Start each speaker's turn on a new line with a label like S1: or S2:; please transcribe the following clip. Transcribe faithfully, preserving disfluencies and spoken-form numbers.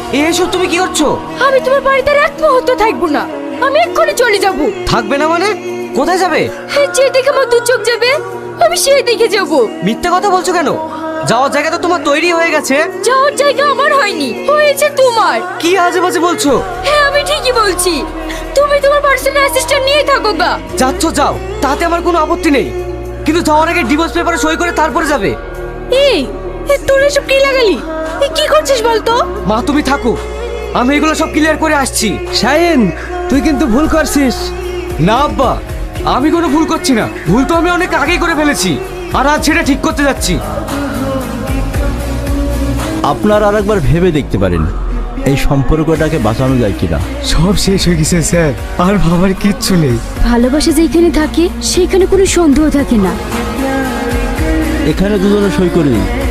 S1: এসব তুমি কি করছো?
S2: আমি তোমার বাড়িতে আর এক মুহূর্ত থাকবো না। আমি এক্ষুনি চলে যাব।
S1: থাকবে না মানে? কোথায় যাবে?
S2: যে দিকে আমার দু চোখ যাবে আমি সেই দিকে যাব।
S1: মিথ্যা কথা বলছো কেন? যাওয়ার জায়গা তো তোমার তৈরি হয়ে গেছে।
S2: যাওয়ার জায়গা আমার হয়নি, হয়েছে তোমার।
S1: কি আজে বাজে বলছো?
S2: হ্যাঁ আমি ঠিকই বলছি। তুমি তোমার পার্সোনাল অ্যাসিস্ট্যান্ট নিয়ে থাকো গা।
S1: যাচ্ছ যাও, তাতে আমার কোনো আপত্তি নেই, কিন্তু যাওয়ার আগে ডিভোর্স পেপারে সই করে তারপরে যাবে।
S2: এই তোর এসব কি লাগালি? কি করছিস বলতো?
S1: মা তুমি থাকো, আমি এগুলো সব ক্লিয়ার করে আসছি।
S3: শাহিন, তুই কিন্তু ভুল করছিস।
S1: না আব্বা, আমি কোনো ভুল করছি না। ভুল তো আমি অনেক আগেই করে ফেলেছি, আর আজ সেটা ঠিক করতে যাচ্ছি।
S4: আপনার আর একবার ভেবে দেখতে পারেন এই সম্পর্কটাকে বাঁচানো যায় কিনা।
S3: সব শেষ হয়ে গেছে স্যার, আর ভাবার কিচ্ছু নেই।
S2: ভালোবাসা যেখানে থাকে সেখানে কোনো সন্দেহ থাকে না।
S4: এখানে দুজনে সই করে দিন।